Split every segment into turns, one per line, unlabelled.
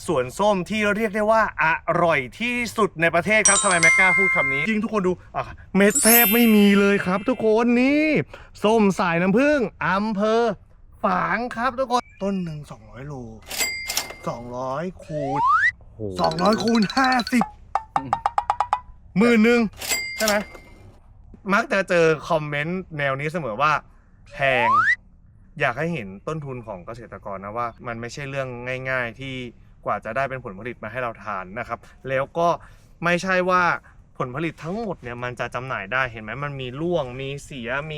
สวนส้มที่เรียกได้ว่าอร่อยที่สุดในประเทศครับทำไมแม็กกล้าพูดคำนี้จริงทุกคนดูเม็ดแทบไม่มีเลยครับทุกคนนี่ส้มสายน้ำผึ้งอำเภอฝางครับทุกคนต้นหนึ่ง200 โล200 คูณ200 คูณ 50 10,000ใช่ไหมมักจะเจอคอมเมนต์แนวนี้เสมอว่าแพงอยากให้เห็นต้นทุนของเกษตรกรนะว่ามันไม่ใช่เรื่องง่ายๆที่กว่าจะได้เป็นผลผลิตมาให้เราทานนะครับแล้วก็ไม่ใช่ว่าผลผลิตทั้งหมดเนี่ยมันจะจำหน่ายได้เห็นไหมมันมีร่วงมีเสียมี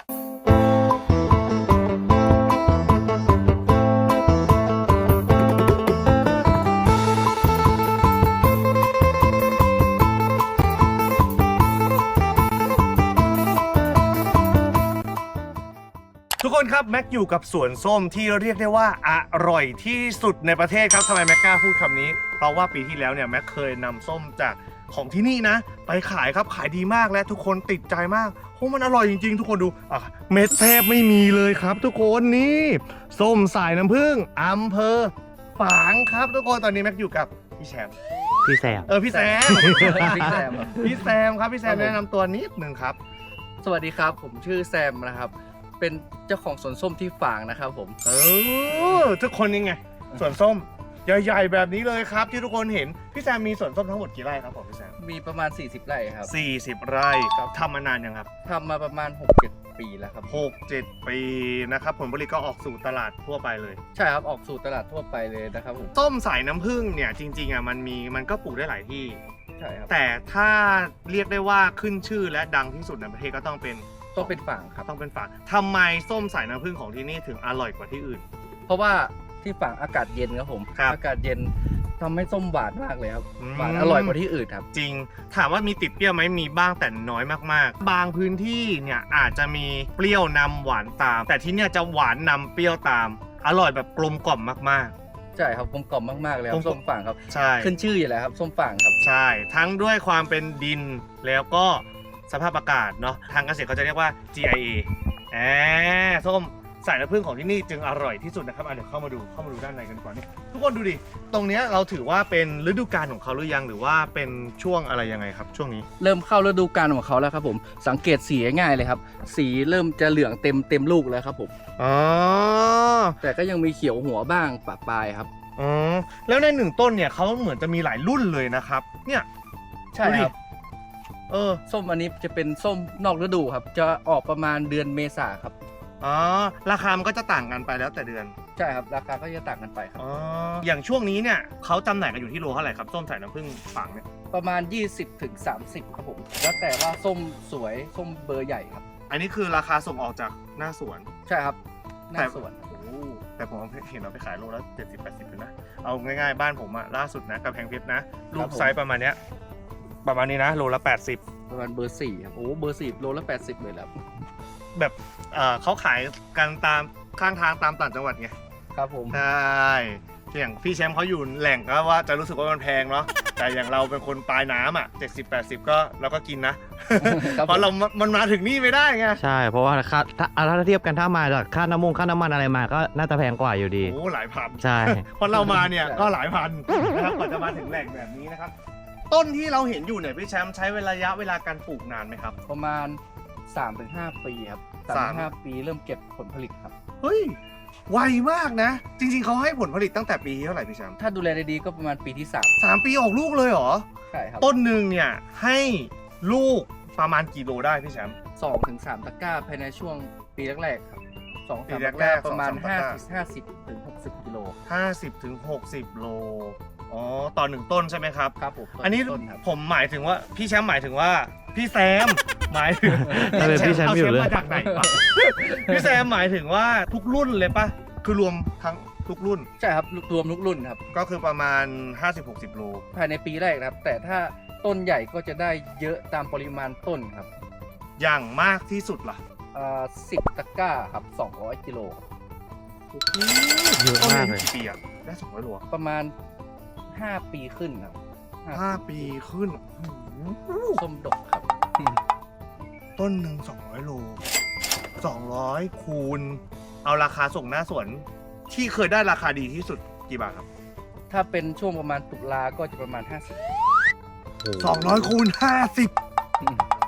ทุกคนครับแม็กอยู่กับสวนส้มที่เรียกได้ว่าอร่อยที่สุดในประเทศครับทำไมแม็กกล้าพูดคำนี้เพราะว่าปีที่แล้วเนี่ยแม็กเคยนำส้มจากของที่นี่นะไปขายครับขายดีมากและทุกคนติดใจมากโอ้มันอร่อยจริงๆทุกคนดูเม็ดแทบไม่มีเลยครับทุกคนนี่ส้มสายน้ำผึ้งอำเภอฝางครับทุกคนตอนนี้แม็กอยู่กับพี่แซมพี่แซมพี่แซมพี่แซมครับพี่แซมแนะนำตัวนิดนึงครับ
สวัสดีครับผมชื่อแซมนะครับเป็นเจ้าของสวนส้มที่ฝางนะครับผม
ทุกคนยังไงสวนส้มใหญ่ๆแบบนี้เลยครับที่ทุกคนเห็นพี่แซมมีสวนส้มทั้งหมดกี่ไร่ครับผมพี่แซม
มีประมาณ40 ไร่ครับ
40 ไร่ครับทำมานานยังครับ
ทำมาประมาณ 6-7 ปีแล้วครับ
6-7 ปีนะครับผลผลิตก็ออกสู่ตลาดทั่วไปเลย
ใช่ครับออกสู่ตลาดทั่วไปเลยนะครับผม
ส้มสายน้ำผึ้งเนี่ยจริงๆมันก็ปลูกได้หลายที่
ใช่ครับ
แต่ถ้าเรียกได้ว่าขึ้นชื่อและดังที่สุดในประเทศก็ต้องเป็น
ฝางครับ
ต้องเป็นฝางทำไมส้มสายน้ำผึ้งของที่นี่ถึงอร่อยกว่าที่อื่น
เพราะว่าที่ฝางอากาศเย็นครับผมอากาศเย็นทำให้ส้มหวานมากเลยครับหวานอร่อยกว่าที่อื่นครับ
จริงถามว่ามีติดเปรี้ยวไหมมีบ้างแต่น้อยมากๆบางพื้นที่เนี่ยอาจจะมีเปรี้ยวนำหวานตามแต่ที่เนี่ยจะหวานนำเปรี้ยวตามอร่อยแบบกลมกล่อมมาก
ๆใช่ครับกลมกล่อมมากๆเลยครับส้มฝางครับ
ใช่
ขึ้นชื่ออยู่แล้วครับส้มฝางครับ
ใช่ทั้งด้วยความเป็นดินแล้วก็สภาพอากาศเนาะทางเกษตรเขาจะเรียกว่า GIA ส้มสายน้ำผึ้งของที่นี่จึงอร่อยที่สุดนะครับเดี๋ยวเข้ามาดูด้านในกันก่อนนี่ทุกคนดูดิตรงนี้เราถือว่าเป็นฤดูกาลของเขาหรือยังหรือว่าเป็นช่วงอะไรยังไงครับช่วงนี้
เริ่มเข้าฤดูกาลของเขาแล้วครับผมสังเกตสีง่ายเลยครับสีเริ่มจะเหลืองเต็มลูกแล้วครับผมแต่ก็ยังมีเขียวหัวบ้างปะปลายครับ
แล้วใน1 ต้นเนี่ยเขาเหมือนจะมีหลายรุ่นเลยนะครับเนี่ย
ใช่ครับส้มอันนี้จะเป็นส้มนอกฤดูครับจะออกประมาณเดือนเมษาครับ
ราคามันก็จะต่างกันไปแล้วแต่เดือน
ใช่ครับราคาก็จะต่างกันไปครับ
อย่างช่วงนี้เนี่ยเขาจำหน่ายกันอยู่ที่โลเท่าไหร่ครับส้มสายน้ำผึ้งฝางเนี่ย
ประมาณ20-30ครับผมแล้วแต่ว่าส้มสวยส้มเบอร์ใหญ่ครับ
อันนี้คือราคาส่งออกจากหน้าสวน
ใช่ครับหน้าสวน
แต่ผมเห็นเราไปขายโลละ70-80เลยนะเอาง่ายๆบ้านผมล่าสุดนะกำแพงเพชรนะลูกไซส์ประมาณนี้นะโลละ80
ประมาณเบอร์4ครับเบอร์4โลละ80เลยแล้ว
แบบเขาขายกันตามข้างทางตามต่างจังหวัดไง
ครับผม
ใช่อย่างพี่แชมป์เขาอยู่แหล่งก็ว่าจะรู้สึกว่ามันแพงเนาะแต่อย่างเราเป็นคนปลายน้ำ70-80ก็เราก็กินนะเพราะมันมาถึงนี่ไม่ได้ไง
ใช่เพราะว่าถ้าเทียบกันถ้ามาจากค่าน้ำมันอะไรมาก็น่าจะแพงกว่าอยู่ดี
หลายพัน
ใช่
เพราะเรามาเนี่ยก็หลายพันนะครับกว่าจะมาถึงแหล่งแบบนี้นะครับต้นที่เราเห็นอยู่เนี่ยพี่แชมป์ใช้ระยะเวลาการปลูกนานไหมครับ
ประมาณ 3-5 ปีครับ3-5 ปีเริ่มเก็บผลผลิตครับ
เฮ้ยไวมากนะจริงๆเขาให้ผลผลิตตั้งแต่ปีเท่าไหร่พี่แชมป์
ถ้าดูแลดีๆก็ประมาณปีที่
3ปีออกลูกเลยเหรอ
ใช่ครับ
ต้นหนึ่งเนี่ยให้ลูกประมาณกี่โลได้พี่แชมป์
2-3 ตะกร้าภายในช่วงปีแรกๆครับ2-3 ตะกร้าประมาณ50-60 กิโล
50-60 โลต่อ1 ต้นใช่ไหมครับ
ครับผม
อันนี้ผมหมายถึงว่าพี่แชมป์หมายถึงว่าพี่แซมหมายถึง
พี่แชมป์อยู่เลย
มาจากไหนวะพี่แซมหมายถึงว่าทุกรุ่นเลยปะคือรวมทั้งทุกรุ่น
ใช่ครับรวมทุกรุ่นครับ
ก็คือประมาณ50-60 โล
ภายในปีแรกครับแต่ถ้าต้นใหญ่ก็จะได้เยอะตามปริมาณต้นครับ
อย่างมากที่สุดล่ะ
10 ตะกร้าครับ200 กิโล
เยอะมากเลย
กี่ปีอะได้200 โล
ประมาณ5 ปีขึ้นครับ
5 ปีขึ้น
ส้มดกครับ
ต้นหนึ่ง200 โล200 คูณเอาราคาส่งหน้าสวนที่เคยได้ราคาดีที่สุดกี่บาทครับ
ถ้าเป็นช่วงประมาณตุลาก็จะประมาณ
200 คูณ 50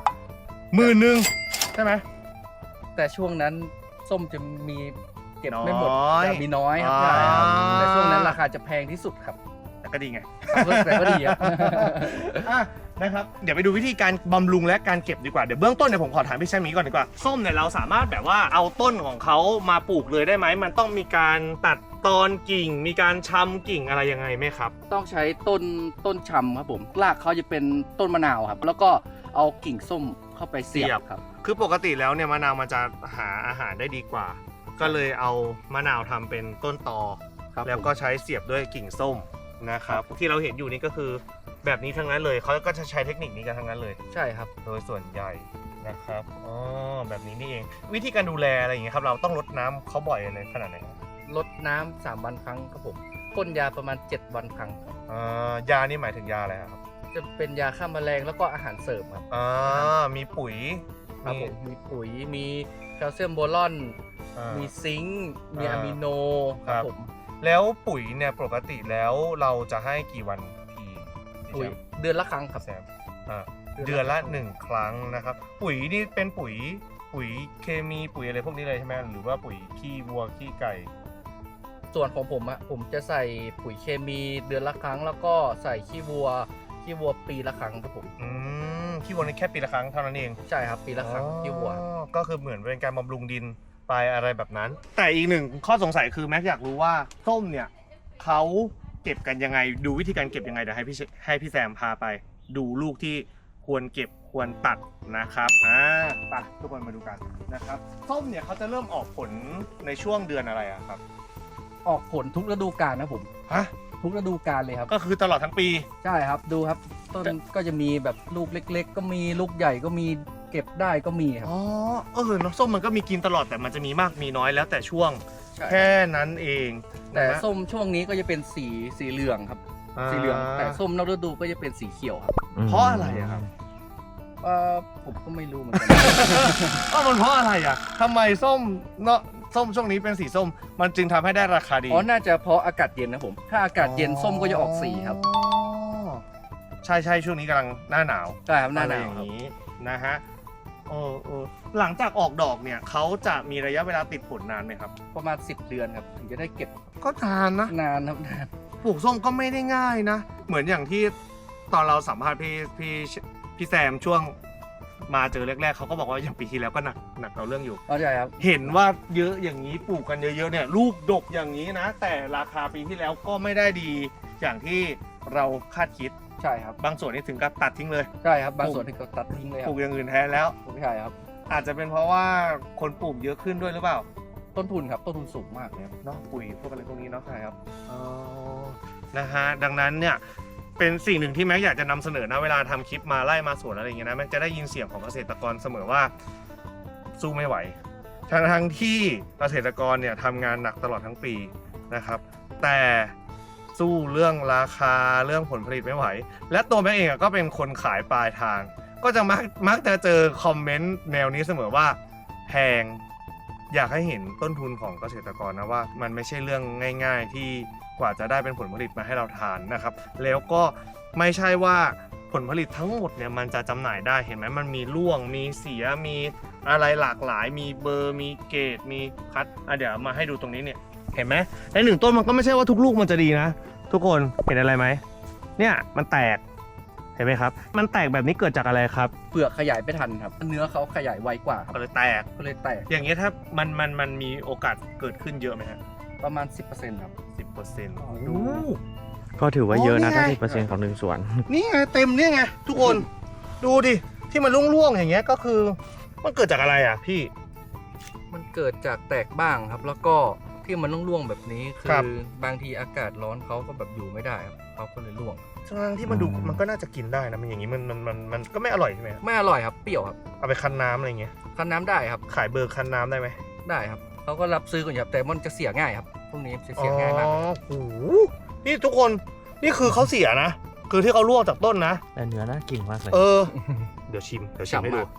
50
หมื่นหนึ่งใช่ไหม
แต่ช่วงนั้นส้มจะมีเก็บไม่หมด
น้อย
จะมีน้อยครับ
อ่า
ใช่ครับแต่ช่วงนั้นราคาจะแพงที่สุดครับ
แต่ก็ดีไง
แต่ก็ดีครับ
อ่ะนะครับเดี๋ยวไปดูวิธีการบำรุงและการเก็บดีกว่าเดี๋ยวเบื้องต้นเนี่ยผมขอถามพี่แชมป์นี้ก่อนดีกว่าส้มเนี่ยเราสามารถแบบว่าเอาต้นของเขามาปลูกเลยได้ไหมมันต้องมีการตัดตอนกิ่ง มีการชำกิ่งอะไรยังไงไหมครับ
ต้องใช้ต้นชำครับผมรากเขาจะเป็นต้นมะนาวครับ แล้วก็เอากิ่งส้มเข้าไปเสียบครับ
คือปกติแล้วเนี่ยมะนาวมันจะหาอาหารได้ดีกว่า ก็เลยเอามะนาวทำเป็นต้นตอ
ครับ
แล้วก็ใช้เสียบด้วยกิ่งส้มนะครับที่เราเห็นอยู่นี่ก็คือแบบนี้ทั้งนั้นเลยเขาก็จะใช้เทคนิคนี้กันทั้งนั้นเลย
ใช่ครับ
โดยส่วนใหญ่นะครับอ๋อแบบนี้นี่เองวิธีการดูแลอะไรอย่างเงี้ยครับเราต้องรดน้ำเขาบ่อยเลยขนาดไหนครับ
ลดน้ำ3 วันครั้งครับผมพ่นยาประมาณ 7 วันครั้งครับ
ยานี่หมายถึงยาอะไรครับ
จะเป็นยาฆ่าแมลงแล้วก็อาหารเสริมครับ
มีปุ๋ย
ครับผมมีปุ๋ยมีแคลเซียมโบรอน มีซิงค์มีอะมิโนครับผม
แล้วปุ๋ยเนี่ยปกติแล้วเราจะให้กี่วันที
ปุ๋ยเดือนละครั้งครับ
แซมเดือนละ1 ครั้งนะครับปุ๋ยนี่เป็นปุ๋ยเคมีปุ๋ยอะไรพวกนี้เลยใช่ไหมหรือว่าปุ๋ยขี้วัวขี้ไก่
ส่วนของผมอะผมจะใส่ปุ๋ยเคมีเดือนละครั้ง แล้วก็ใส่ขี้วัวปีละครั้งครับผม
ขี้วัวนี่แค่ปีละครั้งเท่านั้นเอง
ใช่ครับปีละครั้งขี้วัว
ก็คือเหมือนเป็นการบำรุงดินไปอะไรแบบนั้น แต่อีกหนึ่งข้อสงสัยคือแม็กอยากรู้ว่าส้มเนี่ยเขาเก็บกันยังไงดูวิธีการเก็บยังไงเดี๋ยวให้พี่แซมพาไป ดูลูกที่ควรเก็บควรตัดนะครับไปทุกคนมาดูกันนะครับส้มเนี่ยเขาจะเริ่มออกผลในช่วงเดือนอะไรอะครับ
ออกผลทุกฤดูกาลนะผม
ฮะ
ทุกฤดูกาลเลยครับ
ก็คือตลอดทั้งปี
ใช่ครับดูครับต้นก็จะมีแบบลูกเล็ก ๆ ก็มีลูกใหญ่ก็มีเก็บได้ก็มีครับ
อ๋อน้ำส้มมันก็มีกินตลอดแต่มันจะมีมากมีน้อยแล้วแต่ช่วง
ใช่
แค่นั้นเอง
แต่
นะฮะ
ส้มช่วงนี้ก็จะเป็นสีเหลืองครับ สีเหลืองแต่ส้มนอกฤดูก็จะเป็นสีเขียวครับ
เพราะอะไรอะครับ
ผมก็ไม่รู้เหมือนกัน
มันเพราะอะไรอะทำไมส้มเนาะส้มช่วงนี้เป็นสีส้ม มันจึงทำให้ได้ราคาดี
อ๋อน่าจะเพราะอากาศเย็นนะผมถ้าอากาศเย็นส้มก็จะออกสีครับ
ใช่ช่วงนี้กำลังหน้าหนาว
ใช่ครับหน้าห
อะไร
นา
อ
ว
ย่าง
ครับ
นี้นะฮะหลังจากออกดอกเนี่ยเขาจะมีระยะเวลาติดผลนานไหมครับ
ประมาณ10 เดือนครับถึงจะได้เก็บ
ก็นานนะ
นานครับนาน
ปลูกส้มก็ไม่ได้ง่ายนะ เหมือนอย่างที่ตอนเราสัมภาษณ์พี่แซมช่วงมาเจอแรกๆเขาก็บอกว่าอย่างปีที่แล้วก็หนักเราเรื่องอยู่
เข้าใจครับ
เห็นว่าเยอะอย่างนี้ปลูกกันเยอะๆเนี่ยลูกดกอย่างนี้นะ แต่ราคาปีที่แล้วก็ไม่ได้ดีอย่างที่เราคาดคิด
ใช่ครับ
บางส่วนนี่ถึงกับตัดทิ้งเลย
ใช่ครับบางส่วนที่เขาตัดทิ้งเลยค
ป
รั
ลู
บ
กอย่างอื่นแทนแล้ว
ใช่ครับ
อาจจะเป็นเพราะว่าคนปลูกเยอะขึ้นด้วยหรือเปล่า
ต้นทุนครับต้นทุนสูงมากเลยครับ
เนาะปุ๋ยพวกอะไรพวกนี้เนาะ
ใช่ครับ
นะฮะดังนั้นเนี่ยเป็นสิ่งหนึ่งที่แม็กอยากจะนำเสนอนะเวลาทำคลิปมาไล่มาสวนอะไรอย่างเงี้ยนะแม็กจะได้ยินเสียงของเกษตรกรเสมอว่าสู้ไม่ไหวทั้งที่เกษตรกรเนี่ยทำงานหนักตลอดทั้งปีนะครับแต่สู้เรื่องราคาเรื่องผลผลิตไม่ไหว และตัวแม็กเองก็เป็นคนขายปลายทาง ก็จะมักจะเจอคอมเมนต์แนวนี้เสมอว่าแพงอยากให้เห็นต้นทุนของเกษตรกรนะว่ามันไม่ใช่เรื่องง่ายๆที่กว่าจะได้เป็นผลผลิตมาให้เราทานนะครับแล้วก็ไม่ใช่ว่าผลผลิตทั้งหมดเนี่ยมันจะจำหน่ายได้เห็นไหมมันมีร่วงมีเสียมีอะไรหลากหลายมีเบอร์มีเกรดมีคัดเดี๋ยวมาให้ดูตรงนี้เนี่ยเห็นไหมในหนึ่งต้นมันก็ไม่ใช่ว่าทุกลูกมันจะดีนะทุกคนเห็นอะไรไหมเนี่ยมันแตกเห็นไหมครับมันแตกแบบนี้เกิดจากอะไรครับ
เปลือกขยายไม่ทันครับเนื้อเขาขยายไวกว่าครับ
ก็เลยแตก
ก็เลยแตก
อย่างเงี้ยถ้ามันมีโอกาสเกิดขึ้นเยอะไหมฮะ
ประมาณ 10%ครับ
10%
ดู
ก็ถือว่าเยอะนะ
อ๋อนี่
ถ้า
ไง
10%ของหนึ่งสวน
นี่ไงเต็มเนี่ยไงทุกคน ดูดิที่มันร่วงๆอย่างเงี้ยก็คือมันเกิดจากอะไรอ่ะพี่
มันเกิดจากแตกบ้างครับ แล้วก็ที่มันร่วงๆแบบนี้คื
ครับ
อบางทีอากาศร้อนเขาก็แบบอยู่ไม่ได้ครับเขาก็เลยร่วง
ทั้งที่มันดูมันก็น่าจะกินได้นะมันอย่างงี้มันก็ไม่อร่อยใช่ไหมครับ
ไม่อร่อยครับเปรี้ยวครับ
เอาไปคั้นน้ำอะไรเงี้ย
คั้นน้ำได้ครับ
ขายเบอร์คั้นน้ำได้ไหม
ได้ครับเขาก็รับซื้อกันอยู่ครับแต่มันจะเสียง่ายครับพวกนี้จะเสียง่ายมาก
อ๋อโอ้โหนี่ทุกคนนี่คือเขาเสียนะคือที่เขาร่วงจากต้นนะ
แต่เนื้อน่ากินมากเลย
เดี๋ยวชิมให้ดู
ฉ่ำมาก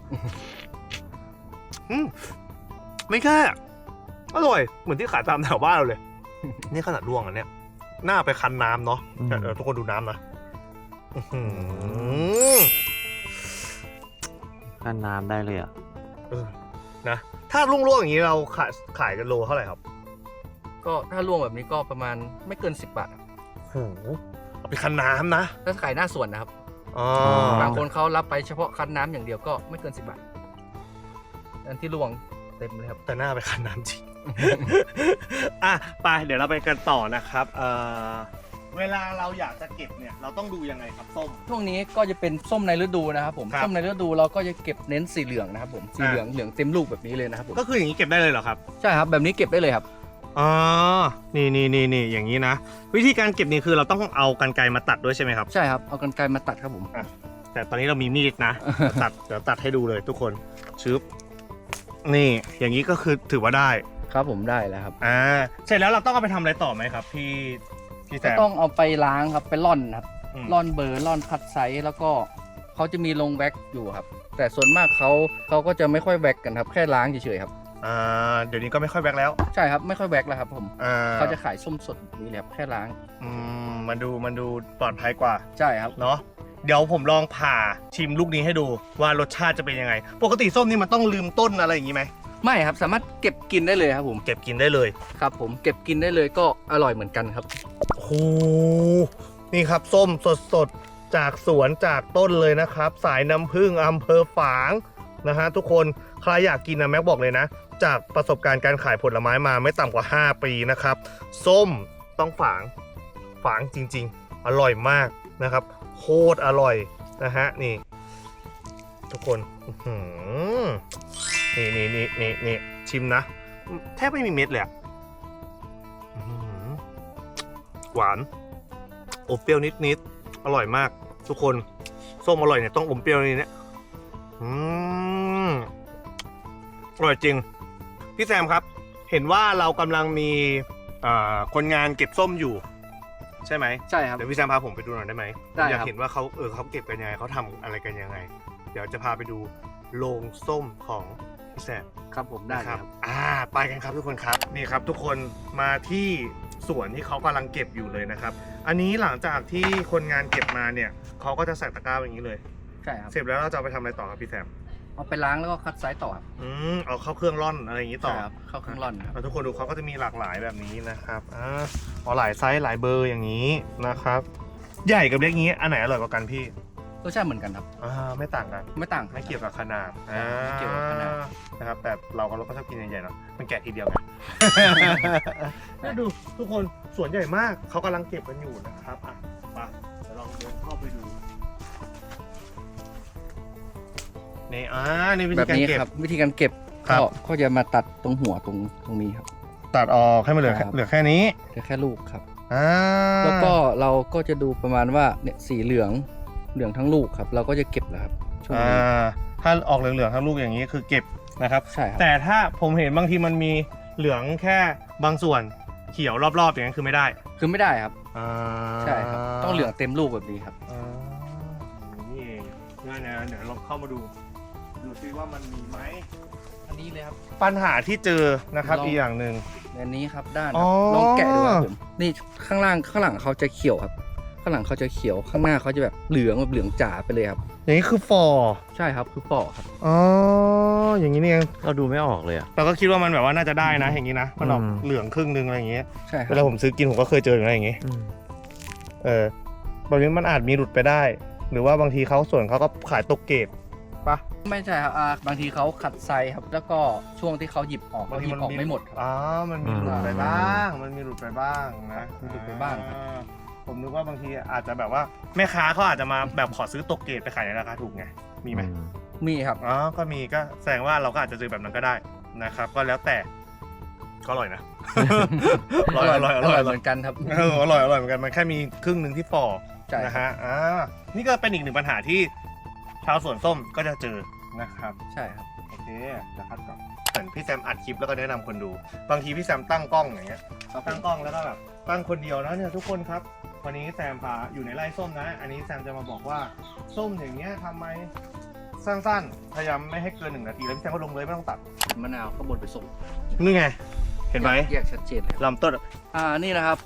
ไม่แค่อร่อยเหมือนที่ขายตามแถวบ้านเราเลย นี่ขนาดร่วงอันเนี้ยน่าไปคั้นน้ำเนาะ
อืม
เดี๋ยวทุกคนดูน้ำนะอื้อหือ
กันน้ำได้เลยอ่ะ
เออนะถ้าลุ่งๆอย่างนี้เราขายกันโลเท่าไหร่ครับ
ก็ถ้าร่วงแบบนี้ก็ประมาณไม่เกิน 10 บาทครับ
โอ้โหเอาไปคั้นน้ำนะ
ถ้าขายหน้าสวนนะครับ
อ๋อ
บางคนเขารับไปเฉพาะคั้นน้ำอย่างเดียวก็ไม่เกิน 10 บาทอันที่ร่วงเต็มเลยครับ
แต่หน้าไปคั้นน้ำจริง อ่ะไปเดี๋ยวเราไปกันต่อนะครับเวลาเราอยากจะเก็บเนี่ยเราต้องดูยังไงครับส้ม
ช่วงนี้ก็จะเป็นส้มในฤดูนะครับผม
ครับ
ส้มในฤดูเราก็จะเก็บเน้นสีเหลืองนะครับผมสีเหลืองเหลืองเต็มลูกแบบนี้เลยนะครับผม
ก็คืออย่างนี้เก็บได้เลยเหรอครับ
ใช่ครับแบบนี้เก็บได้เลยครับ
อ๋อนี่อย่างนี้นะ วิธีการเก็บนี่คือเราต้องเอากรรไกรมาตัดด้วยใช่ไหมครับ
ใช่ครับเอากรรไกรมาตัดครับผม
แต่ตอนนี้เรามีมีดนะ เดี๋ยวตัดให้ดูเลยทุกคนชึบนี่อย่างนี้ก็คือถือว่าได้
ครับผมได้แล้วครับ
เสร็จแล้วเราต้องเอาไปทำอะไรต่อไหมครับพี่แซ
ก็
ม
ต้องเอาไปล้างครับไปร่อนครับ
อืม
ร่อนเบอร์ร่อนคัดไซส์แล้วก็เขาจะมีลงแว็กอยู่ครับ แต่ส่วนมากเขาก็จะไม่ค่อยแว็กกันครับแค่ล้างเฉยๆครับ
เดี๋ยวนี้ก็ไม่ค่อยแบกแล้ว
ใช่ครับไม่ค่อยแว็กแล้วครับผม เขาจะ
เ
ขายส้มสดแบบนี้เลยครับแค่ล้าง
มันดูปลอดภัยกว่า
ใช่ครับ
เนาะเดี๋ยวผมลองผ่าชิมลูกนี้ให้ดูว่ารสชาติจะเป็นยังไง ปกติส้มนี่มันต้องลืมต้นอะไรอย่างนี้ไหม
ไม่ครับสามารถเก็บกินได้เลยครับผม
เก็บกินได้เลย
ครับผมเก็บกินได้เลยก็อร่อยเหมือนกันครับ
โอ้โหนี่ครับส้มสดๆจากสวนจากต้นเลยนะครับ สายน้ำผึ้งอำเภอฝางนะฮะทุกคนใครอยากกินนะแม็กบอกเลยนะ จากประสบการณ์การขายผลไม้มาไม่ต่ำกว่า 5 ปีนะครับ ส้มต้องฝางจริงๆ อร่อยมากนะครับ โคตรอร่อยนะฮะนี่ ทุกคนอื้อหือนี่ชิมนะ แทบไม่มีเม็ดเลยอะอื้อหือหวานอมเปรี้ยวนิดๆอร่อยมาก ทุกคนส้มอร่อยเนี่ยต้องอมเปรี้ยวนิดเนี่ยอร่อยจริง พี่แซมครับ เห็นว่าเรากำลังมีคนงานเก็บส้มอยู่ ใช่ไหม
ใช่ครับ
เดี๋ยวพี่แซมพาผมไปดูหน่อยได้ไหม
ได้
อยาก
ครับ
เห็นว่าเขาเก็บกันยังไงเขาทำอะไรกันยังไง เดี๋ยวจะพาไปดูโรงส้มของพี่แซม
ครับผมได้
นะ
ค
ค
รั
รับ บไปกันครับทุกคนครับนี่ครับทุกคนมาที่สวนที่เขากำลังเก็บอยู่เลยนะครับ อันนี้หลังจากที่คนงานเก็บมาเนี่ยเขาก็จะใส่ตะกร้าอย่างนี้เลย
ใช่ครับ
เสร็จแล้วเราจะเอาไปทำอะไรต่อครับพี่แซม
เอาไปล้างแล้วก็คัดไซส์ต่อครับ
เอาเข้าเครื่องร่อนอะไรอย่างนี้ต่อ
ใช่ครับเข้าเครื่องร่อนครับ
ทุกคนดูเขาก็จะมีหลากหลายแบบนี้นะครับหลายไซส์หลายเบอร์อย่างนี้นะครับ ใหญ่กับเล็กนี้อันไหนอร่อยกว่ากันพี่
รสชาติเหมือนกันครับ
ไม่ต่างกัน
ไม่ต่าง
ไม่เกี่ยวกับขนาด
ไม่เกี่ยวกับขนาด
นะครับแต่เราก็ชอบกินใหญ่ๆเนาะมันแกะทีเดียวไง ดูทุกคนสวนใหญ่มากเขากำลังเก็บกันอยู่นะครับไปเดี๋ยวลองเดินเข้าไปดูนี่นี่วิ
แบ
ธี
บ
การ
นี้
เก็บ
ครับวิธีการเก็บ
ครับ
ก็จะมาตัดตรงหัวตรงนี้ครับ
ตัดออกให้มันเหลือ
ครับ
เหลือแค่นี้
จะแค่ลูกครับ
อ่า
แล้วก็เราก็จะดูประมาณว่าเนี่ยสีเหลืองทั้งลูกครับ เราก็จะเก็บแล้วครับช่วงนี้
ถ้าออกเหลืองๆทั้งลูกอย่างนี้คือเก็บนะครับ
ใช่ครับ
แต่ถ้าผมเห็นบางทีมันมีเหลืองแค่บางส่วนเขียวรอบๆอย่างนั้นคือไม่ได้
คือไม่ได้ครับ
อ่า
ใช่ครับต้องเหลืองเต็มลูกแบบนี้ครับ
นี่เองง่ายนะเดี๋ยวเราเข้ามาดูซิว่ามันมีไหม
อันนี้เลยครับ
ปัญหาที่เจอนะครับ
ลอง
อีกอย่างหนึ่ง
อันนี้ครับด้าน
อ๋อ
ลองแกะดูครับผมนี่ข้างหลังเขาจะเขียวครับ ข้างหลังเขาจะเขียวข้างหน้าเขาจะแบบเหลืองจ๋าไปเลยครับ
อย่างนี้คือฟอร์
ใช่ครับคือปอกครับ
อ๋ออย่างนี้นี่เอง
เราดูไม่ออกเลยอ่ะ
เราก็คิดว่ามันแบบว่าน่าจะได้นะอย่างนี้นะมันออก
อืม
เหลืองครึ่งนึงอะไรอย่างเงี้ย
ใช่ค
เว
รับ
ลาผมซื้อกินผมก็เคยเจออย่างไรอย่างงี้ แบบนี้มันอาจมีหลุดไปได้ หรือว่าบางทีเขาส่วนเขาก็ขายตกเกรดปะ
ไม่ใช่ครับบางทีเขาขัดไซครับ แล้วก็ช่วงที่เขาหยิบออกเขาหยิบออกไม่หมดครับ
มันมีหลุดไปบ้าง มันมีหลุดไปบ้างนะ
มีหลุดไปบ้างครับ
ผมนึกว่าบางทีอาจจะแบบว่าแม่ค้าเขาอาจจะมาแบบขอซื้อตกเกรดไปขายในราคาถูกไง มีไหม
มีครับ
ก็มีก็แสดงว่าเราก็อาจจะเจอแบบนั้นก็ได้นะครับ ก็แล้วแต่ก็อร่อยนะ อร่อย
เหมือนกันครับ
อร่อยเหมือนกันมันแค่มีครึ่งหนึ่งที่ฝ่อ
ใช่
นะฮะนี่ก็เป็นอีกหนึ่งปัญหาที่ชาวสวนส้มก็จะเจอนะครับ
ใช่ครับ
โอเคจะคัดก่อนเหมือนพี่แซมอัดคลิปแล้วก็แนะนำคนดู บางทีพี่แซมตั้งกล้องอย่างเงี้ย ตั้งกล้องแล้วก็แบบตั้งคนเดียวนะเนี่ยทุกคนครับ วันนี้แซมพาอยู่ในไร่ส้มนะ อันนี้แซมจะมาบอกว่าส้มอย่างเงี้ยทำไมสั้นๆ พยายามไม่ให้เกิน1 นาทีแล้วพี่แซมก็ลงเลยไม่ต้องตัด
มะนาวข้างบนไปส่ง
นี่ไง เห็นไหม
แยกชัดเจนเลยครับ
ลำต้น
นี่นะครับผม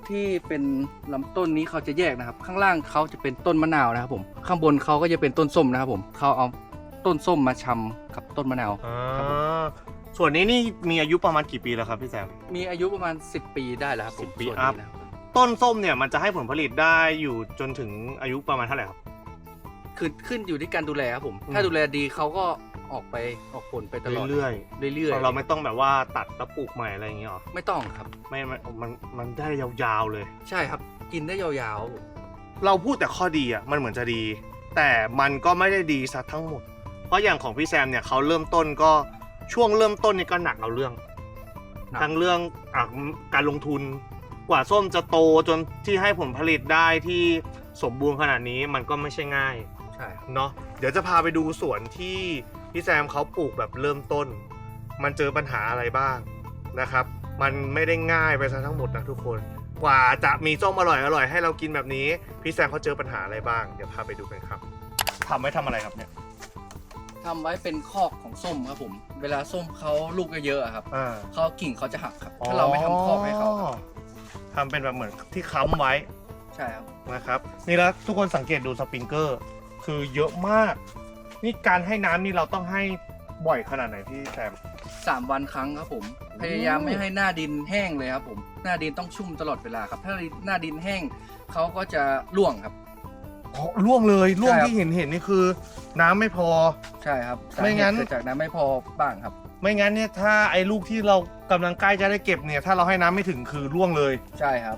ที่เป็นลำต้นนี้เขาจะแยกนะครับ ข้างล่างเขาจะเป็นต้นมะนาวนะครับผมข้างบนเขาก็จะเป็นต้นส้มนะครับผมเขาเอาต้นส้มมาชำกับต้นมะนาว ครับผม
ส่วนนี้นี่มีอายุประมาณกี่ปีแล้วครับพี่แซม
มีอายุประมาณ 10 ปีได้แล้วครับผม
10 ปี
ส่วน
อัพ
นี้นะครับ
ต้นส้มเนี่ยมันจะให้ผลผลิตได้อยู่จนถึงอายุประมาณเท่าไหร่ครับ
คือขึ้นอยู่ที่การดูแลครับผม
อืม
ถ้าดูแลดีเขาก็ออกผลไปตลอด
เรื่อย
เรื่อย
ๆเราไม่ต้องแบบว่าตัดแล้วปลูกใหม่อะไรอย่างเงี้ยหรอ
ไม่ต้องครับ
ไม่มันได้ยาวๆเลย
ใช่ครับกินได้ยาวๆครับผม
เราพูดแต่ข้อดีอ่ะมันเหมือนจะดี แต่มันก็ไม่ได้ดีซะทั้งหมด เพราะอย่างของพี่แซมเนี่ยเขาเริ่มต้นก็ช่วงเริ่มต้นนี่ก็หนักเอาเรื่อง
หนัก
ทั้งเรื่องการลงทุนกว่าส้มจะโตจนที่ให้ผลผลิตได้ที่สมบูรณ์ขนาดนี้มันก็ไม่ใช่ง่าย
ใช่ครับ
เนาะเดี๋ยวจะพาไปดูสวนที่พี่แซมเขาปลูกแบบเริ่มต้น มันเจอปัญหาอะไรบ้างนะครับ มันไม่ได้ง่ายไปซะทั้งหมดนะทุกคน กว่าจะมีส้มอร่อยให้เรากินแบบนี้พี่แซมเขาเจอปัญหาอะไรบ้างเดี๋ยวพาไปดูกันครับทำไว้ทำอะไรครับเนี่ย
ทำไว้เป็นคอกของส้มครับผม เวลาส้มเขาลูกเยอะๆอะครับ
อ่า
เขากิ่งเขาจะหักครับ ถ้าเราไม่ทำคอกให้เขาครับ
ทำเป็นแบบเหมือนที่ค้ำไว้
ใช่ครับ
นะครับนี่แล้วทุกคนสังเกตดูสปริงเกอร์คือเยอะมาก นี่การให้น้ำนี่เราต้องให้บ่อยขนาดไหนพี่แซม
3 วันครั้งครับผม พยายามไม่ให้หน้าดินแห้งเลยครับผม หน้าดินต้องชุ่มตลอดเวลาครับ ถ้าหน้าดินแห้งเขาก็จะร่วงครับ
อ๋อร่วงเลยร่วง
ใช่ครับ
ที่เห็นนี่คือ น้ำไม่พอ
ใช่ครับ
ไม่งั้น
สาเหตุเกิดจากน้ำไม่พอบ้างครับ
ไม่งั้นเนี่ยถ้าไอ้ลูกที่เรากำลังใกล้จะได้เก็บเนี่ยถ้าเราให้น้ำไม่ถึงคือร่วงเลย
ใช่ครับ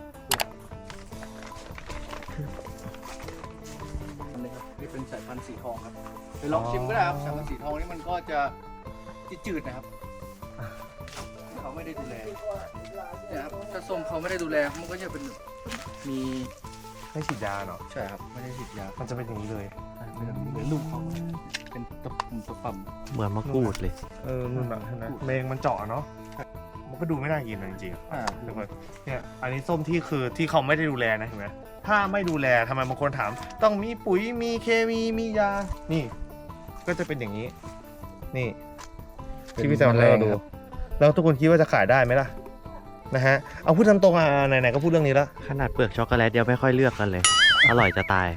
อันนี้ครับนี่เป็นสายพันธุ์สีทองครับไปลองชิมก็ได้ครับสายพันธุ์สีทองนี่มันก็จะจืดๆนะครับเขาไม่ได้ดูแลเนี่ยครับถ้าส้มเขาไม่ได้ดูแลมันก็จะเป็นมี
ไม่ฉีดยาเนาะ
ใช่ครับไม่ได้ฉีดยา
มันจะเป็นอย่างนี้เลย
เป็นแบบนี้เลยลูกเขาเป็นตะปุ่มตะป่ำ
เหมือนมะกรูดเลย
มันแบบนะเมงมันเจาะเนาะมันก็ดูไม่น่ากินนะจริงๆ
อ่า
ทุกคนเนี่ยอันนี้ส้มที่คือที่เขาไม่ได้ดูแลนะเห็นไหมถ้าไม่ดูแลทำไมบางคนถาม ต้องมีปุ๋ยมีเคมีมียานี่ ก็จะเป็นอย่างนี้ นี่ที่พี่แซมให้เราดูแล้วทุกคนคิดว่าจะขายได้ไหมล่ะนะฮะเอาพูดตามตรงอ่ะไหนๆก็พูดเรื่องนี้แล้ว
ขนาดเปลือกช็อกโกแลตเดียวไม่ค่อยเลือกกันเลย อร่อยจะตาย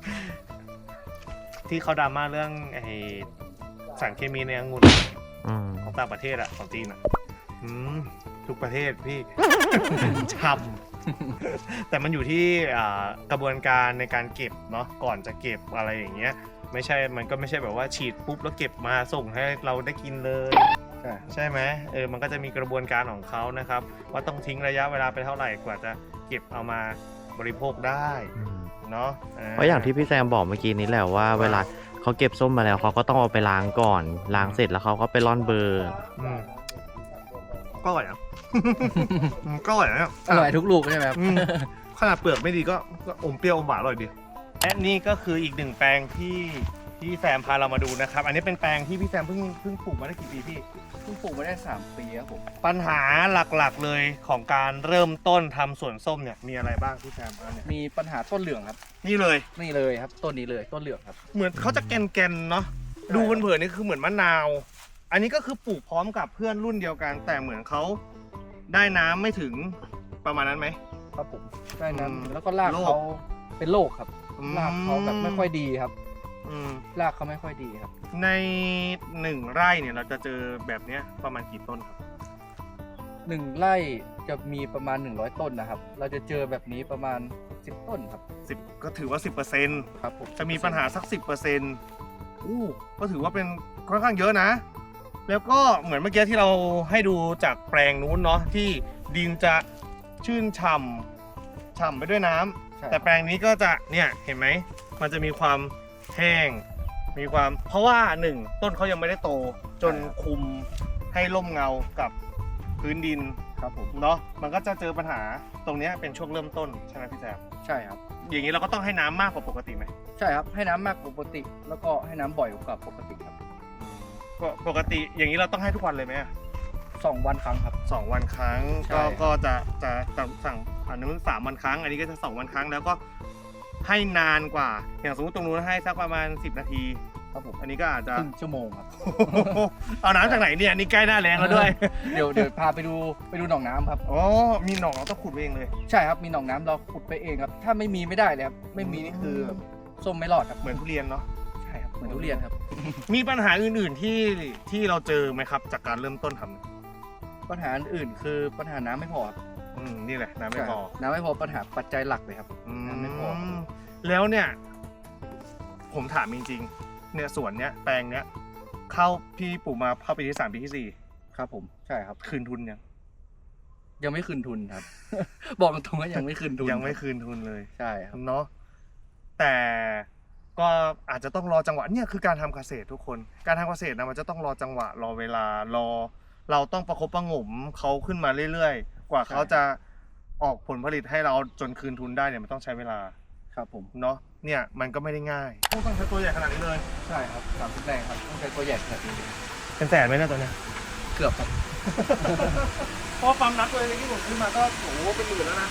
ที่เขาดราม่าเรื่องไอ้สารเคมีในองุ่น
อืม
ของต่างประเทศอะของจีนอะทุกประเทศพี่ ช้ำแต่มันอยู่ที่กระบวนการในการเก็บเนาะก่อนจะเก็บอะไรอย่างเงี้ยไม่ใช่มันก็ไม่ใช่แบบว่าฉีดปุ๊บแล้วเก็บมาส่งให้เราได้กินเลย
ใช่
ใช่ไหมมันก็จะมีกระบวนการของเขานะครับ ว่าต้องทิ้งระยะเวลาไปเท่าไหร่กว่าจะเก็บเอามาบริโภคได้เนาะ
เพราะอย่างที่พี่แซมบอกเมื่อกี้นี้แหละว่าเวลาเขาเก็บส้มมาแล้วเขาก็ต้องเอาไปล้างก่อน ล้างเสร็จแล้วเขาก็ไปร่อนเบอร์
อืมก็อร่อยนะ ก็อร่อยนะ
อร่อยทุกลูกใช่ไหมครับ
ขนาดเปลือกไม่ดีก็อมเปรี้ยวอมหวานอร่อยดีและนี่ก็คืออีกหนึ่งแปลงที่แซมพาเรามาดูนะครับ อันนี้เป็นแปลงที่พี่แซมเพิ่งปลูกมาได้กี่ปีพี่
เพิ่งปลูกมาได้3 ปีครับผม
ปัญหาหลักๆเลยของการเริ่มต้นทำสวนส้มเนี่ยมีอะไรบ้างพี่แซมอันเนี่ย
มีปัญหาต้นเหลืองครับ
นี่เลย
นี่เลยครับต้นนี้เลยต้นเหลืองครับ
เหมือนเขาจะแกนๆเนาะดูเผินๆนี่คือเหมือนมะนาว อันนี้ก็คือปลูกพร้อมกับเพื่อนรุ่นเดียวกัน แต่เหมือนเขาได้น้ำไม่ถึงประมาณนั้นไหม
ครับผมได้นั้
อื
น
ม
แล้วก็ราก
โรค
เขาเป็นโรคครับรากเขาแบบไม่ค่อยดีครับ
อืม
รากเขาไม่ค่อยดีครับ
ใน1 ไร่เนี่ยเราจะเจอแบบเนี้ยประมาณกี่ต้นครับ
1 ไร่จะมีประมาณ100 ต้นนะครับ เราจะเจอแบบนี้ประมาณ10 ต้นครับ
10 ก็ถือว่า 10%
ครับผม
จะมีปัญหาสัก 10%อู้ก็ถือว่าเป็นค่อนข้างเยอะนะ แล้วก็เหมือนเมื่อกี้ที่เราให้ดูจากแปลงนู้นเนาะที่ดินจะชื่นฉ่ำไปด้วยน้ำ
ใช่
แต่แปลงนี้ก็จะเนี่ยเห็นไหมมันจะมีความแห้งมีความเพราะว่า1ต้นเขายังไม่ได้โตจนคุมให้ร่มเงากับพื้นดิน
ครับผม
เนาะมันก็จะเจอปัญหาตรงเนี้ยเป็นช่วงเริ่มต้นใช่ไหมพี่แซม
ใช่ครับ
อย่างนี้เราก็ต้องให้น้ำมากกว่าปกติไหม
ใช่ครับให้น้ำมากกว่าปกติ แล้วก็ให้น้ำบ่อยกว่าปกติครับ
ก็ปกติอย่างนี้เราต้องให้ทุกวันเลยไหมอะ
2 วันครั้งครับ
2 วันครั้ง
ใช่
ก็จะสั่งอันนู้น3 วันครั้ง อันนี้ก็จะ2 วันครั้งแล้วก็ให้นานกว่าอย่างสมมติตรงนู้นให้สักประมาณ10 นาที
ครับผม
อันนี้ก็อาจจะ
ครึ่งชั่วโมงครับ
เอาน้ำจากไหนเนี่ยนี่ใกล้หน้าแล้งแล้วด้วย
เดี๋ยวพาไปดูหนองน้ำครับ
อ๋อมีหนองเราต้องขุดเองเลย
ใช่ครับมีหนองน้ำเราขุดไปเองครับถ้าไม่มีไม่ได้เลยครับไม่มีนี่คือส้มไม่รอดครับ
เหมือนทุเรียนเนาะ
ใช่ครับเหมือนทุเรียนครับ
มีปัญหาอื่นๆที่เราเจอไหมครับ จากการเริ่มต้นทำ
ปัญหาอื่นคือปัญหาน้ำไม่พอครับ
นี่แหละน้ำไม่พอ
น้ำไม่พอปัญหาปัจจัยหลักเลยครับ น้ำไม่พอ
แล้วเนี่ย ผมถามจริงๆเนี่ยสวนเนี้ยแปลงเนี้ยเข้าพี่ปลูกมาเข้าปีที่ 3 ปีที่
ครับผมใช่ครับ
4 คืนทุน
ยังไม่คืนทุนครับ บอกตรงๆว่ายังไม่คืนทุน
ยังไม่คืนทุนเลย
ใช่ครับ
เนาะแต่ก็อาจจะต้องรอจังหวะเนี่ยคือการทำเกษตรทุกคน การทำเกษตรนะมันจะต้องรอจังหวะรอเวลารอเราต้องประคบประหงมเขาขึ้นมาเรื่อยๆ กว่าเขาจะออกผลผลิตให้เราจนคืนทุนได้เนี่ยมันต้องใช้เวลา
ครับผม
เนาะเนี่ยมันก็ไม่ได้ง่ายต้องใช้ตัวใหญ่ขนาดนี้เลย
ใช่ครับ30แรงครับต้องใช้ตัวใหญ่ขนาดนี้
เป็นแสนไหมเนะตัวเนี้ย
เกือบครับ
เพราะความนับตัวเองที่ผมขึ้นมาก็โอ้โหเป็นหมื่นแล้วนะ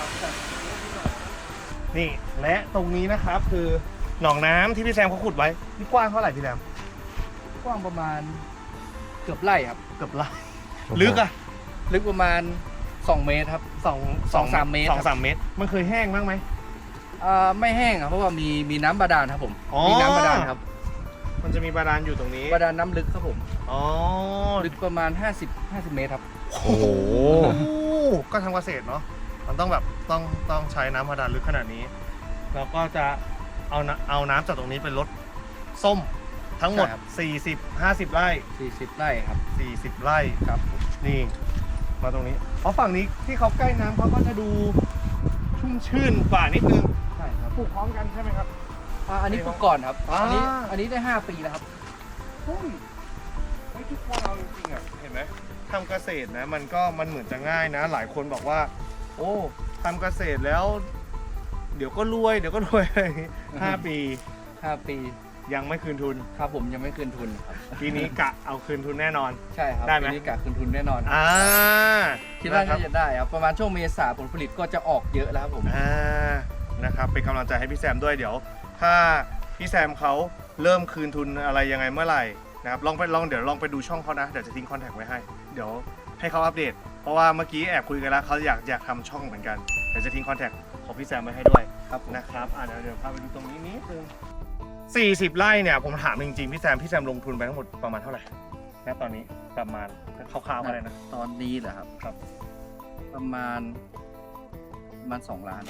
นี่และตรงนี้นะครับคือหนองน้ำที่พี่แซมเขาขุดไว้นี่กว้างเท่าไหร่พี่แซม
กว้างประมาณเกือบไร่ครับ
เกือบไร่ลึกอะ
ลึกประมาณ2 เมตรครับ 2-3 เมตร
2-3 เมตร มันเคยแห้งบ้างไหม
ไม่แห้งครับเพราะว่ามีน้ำบาดาลครับผม
อ๋อ
มีน้ำบาดาลครับ
มันจะมีบาดาลอยู่ตรงนี้
บาดาลน้ำลึกครับผม
อ๋อ
ลึกประมาณ50 เมตรครับ
โอ้โห
ก็ทำเกษตรเนาะมันต้องแบบต้องใช้น้ำบาดาลลึกขนาดนี้แล้วก็จะเอาน้ำจากตรงนี้ไปลดส้มทั้งหมด
ใช่ครับ
40-50 ไร่
40 ไร่ครับ
40 ไร่
ครับ
นี่มาตรงนี้เพราะฝั่งนี้ที่เขาใกล้น้ำเขาก็จะดูชุ่มชื่นกว่านิดนึง
ใช่ครับ
ปลูกพร้อมกันใช่ไหมครับ
อันนี้ปลูกก่อนครับ
อ่า
อันนี้ได้5 ปีแล้วครับ
เฮ้ยทุกคนเอาจริงๆอ่ะเห็นไหมทำเกษตรนะมันเหมือนจะง่ายนะ หลายคนบอกว่า โอ้ทำเกษตรแล้ว เดี๋ยวก็รวยอะไรอย่างงี้5 ปี
5 ปี
ยังไม่คืนทุน
ครับผมยังไม่คืนทุนครับ
ปีนี้กะเอาคืนทุนแน่นอน
ใช่ครับ
ได้ไหม
ปีนี้กะคืนทุนแน่นอน คิดว่า
นะครั
น่าจะได้ครับประมาณช่วงเมษาผลผลิตก็จะออกเยอะแล้วครับผม
นะครับเป็นกำลังใจให้พี่แซมด้วยเดี๋ยว ถ้าพี่แซมเขาเริ่มคืนทุนอะไรยังไงเมื่อไหร่นะครับเดี๋ยวลองไปดูช่องเขานะเดี๋ยวจะทิ้งคอนแทคไว้ให้เดี๋ยวให้เขาอัปเดต เพราะว่าเมื่อกี้แอบคุยกันแล้วเขาอยากทำช่องเหมือนกันเดี๋ยวจะทิ้งคอนแทคของพี่แซมไว้ให้ด้วย
ครับผม
นะครับเดี๋ยวพาไปดูตรงนี้นิดนึง40 ไร่เนี่ยผมถามจริงๆพี่แซมลงทุนไปทั้งหมดประมาณเท่าไหร่ณตอนนี้ประมาณคร่าวๆก็ได้นะ
ตอนนี้เหรอครับ
ครับ
ประมาณ2 ล้าน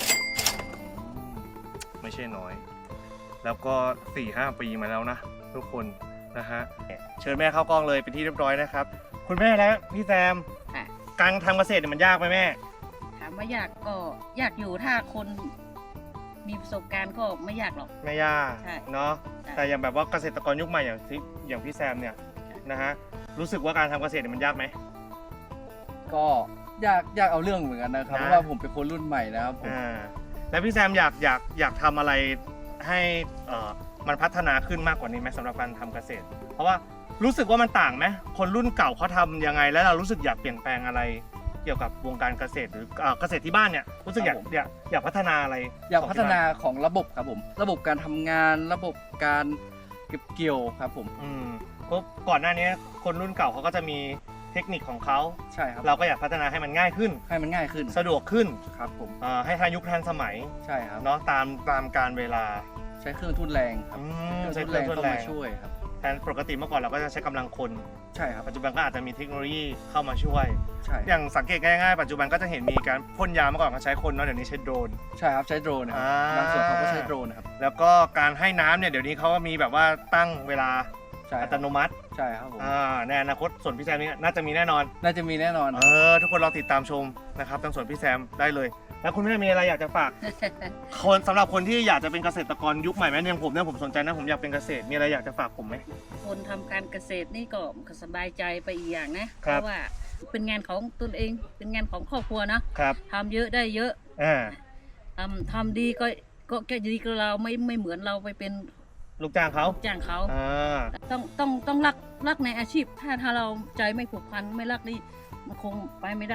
ไม่ใช่น้อย แล้วก็ 4-5 ปีมาแล้วนะทุกคนนะฮะเชิญแม่เข้ากล้องเลยเป็นที่เรียบร้อยนะครับคุณแม่และพี่แซม
ค่ะ
การทำเกษตรเนี่ยมันยากไหมแม่
ถามว่ายากก็ยากอยู่ถ้าคนมีประสบการณ์ก็ไม่ยากหรอก
ไม่ยาก
ใช่
เนาะ
ใช่
แต่อย่างแบบว่าเกษตรกรยุคใหม่อย่างพี่แซมเนี่ยนะฮะรู้สึกว่าการทำเกษตรเนี่ยมันยากไหม
ก็ยากเอาเรื่องเหมือนกันนะครับ
นะ
เพราะว่าผมเป็นคนรุ่นใหม่นะครับผม
แล้วพี่แซมอยากทำอะไรให้มันพัฒนาขึ้นมากกว่านี้ไหมสำหรับการทำเกษตร เพราะว่ารู้สึกว่ามันต่างไหมคนรุ่นเก่าเขาทำยังไงแล้วเรารู้สึกอยากเปลี่ยนแปลงอะไร เกี่ยวกับวงการเกษตรหรือเกษตรที่บ้านเนี่ยรู้สึกอยากพัฒนาอะไร
อยากพัฒนาของระบบครับผม ระบบการทำงานระบบการเก็บเกี่ยวครับผม
เพราะก่อนหน้านี้คนรุ่นเก่าเขาก็จะมีเทคนิคของเขา
ใช่ครับ
เราก็อยากพัฒนาให้มันง่ายขึ้น
ให้มันง่ายขึ้น
สะดวกขึ้น
ครับผม
ให้ทันยุคทันสมัย
ใช่ครับ
เนาะตามการเวลา
ใช้เครื่องทุ่นแรงครับ
ใช้
เค
เค
รื่
รื่
อ
อง ง
ทุ่
ทุ
น
น
แร
แรง ง
เข้ามาช่วยครับ
แทนปกติเมื่อก่อนเราก็จะใช้กำลังคน
ใช่ครับ
ปัจจุบันก็อาจจะมีเทคโนโลยีเข้ามาช่วย
ใช่
อย่างสังเกตง่ายๆปัจจุบันก็จะเห็นมีการพ่นยาเมื่อก่อนก็ใช้คนเนาะเดี๋ยวนี้ใช้โดรน
ใช่ครับใช้โดรนนะครับบางส่วนเขาก็ใช้โดรนนะครับ
แล้วก็การให้น้ำเนี่ยเดี๋ยวนี้เขาก็มีแบบว่าตั้งเวลา
ใช่
อัตโนมัติ
ใช่ครับผม
ในอนาคตส่วนพี่แซมนี่น่าจะมีแน่นอน
น่าจะมีแน่นอน
ทุกคนรอติดตามชมนะครับทางส่วนพี่แซมได้เลย แล้วคุณแม่มีอะไรอยากจะฝาก คนสำหรับคนที่อยากจะเป็นเกษตรกรยุคใหม่ไหมอย่างผมเนี่ยผมสนใจนะผมอยากเป็นเกษตรมีอะไรอยากจะฝากผมไหม
คนทำการเกษตรนี่ก็สบายใจไปอีกอย่างนะ
ค
เพ
รับ
ราะว่าเป็นงานของตนเองเป็นงานของครอบครัวนะครับ ทำเยอะได้เยอะ
อ่า
ทำดีก็แค่ดีกับเราไม่เหมือนเราไปเป็น
ลูกจ้างเขา
จ้างเขา
อ่า
ต้องรักในอาชีพถ้าเราใจไม่ผูกพันไม่รักนี่มันคงไปไม่ได้อะ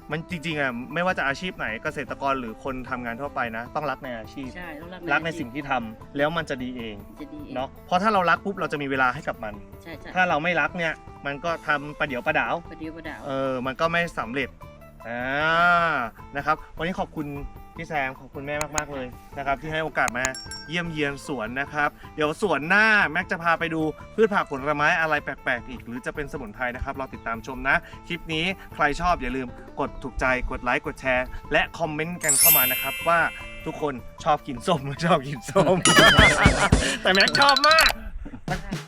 มันจริงๆอ่ะไม่ว่าจะอาชีพไหนเกษตรกรหรือคนทำงานทั่วไปนะ ต้องรักในอาชีพ
ใช่ต้อง
รักในสิ่งที่ทำแล้วมันจะดีเอง
จะดีอง
เนาะเพราะถ้าเรารักปุ๊บเราจะมีเวลาให้กับมัน
ใช่ใช่
ถ้าเราไม่รักเนี่ยมันก็ทำประเดี๋ยวประดาว
ประเดี๋ยวประดาว
มันก็ไม่สำเร็จนะครับวันนี้ขอบคุณพี่แซมขอบคุณแม่มากๆเลยนะครับที่ให้โอกาสมาเยี่ยมเยียนสวนนะครับเดี๋ยวสวนหน้าแม็กจะพาไปดูพืชผักผลไม้อะไรแปลกๆอีกหรือจะเป็นสมุนไพรนะครับเราติดตามชมนะคลิปนี้ใครชอบอย่าลืมกดถูกใจกดไลค์กดแชร์และคอมเมนต์กันเข้ามานะครับว่าทุกคนชอบกินส้มหรือชอบกินส้ม แต่แม็กชอบมาก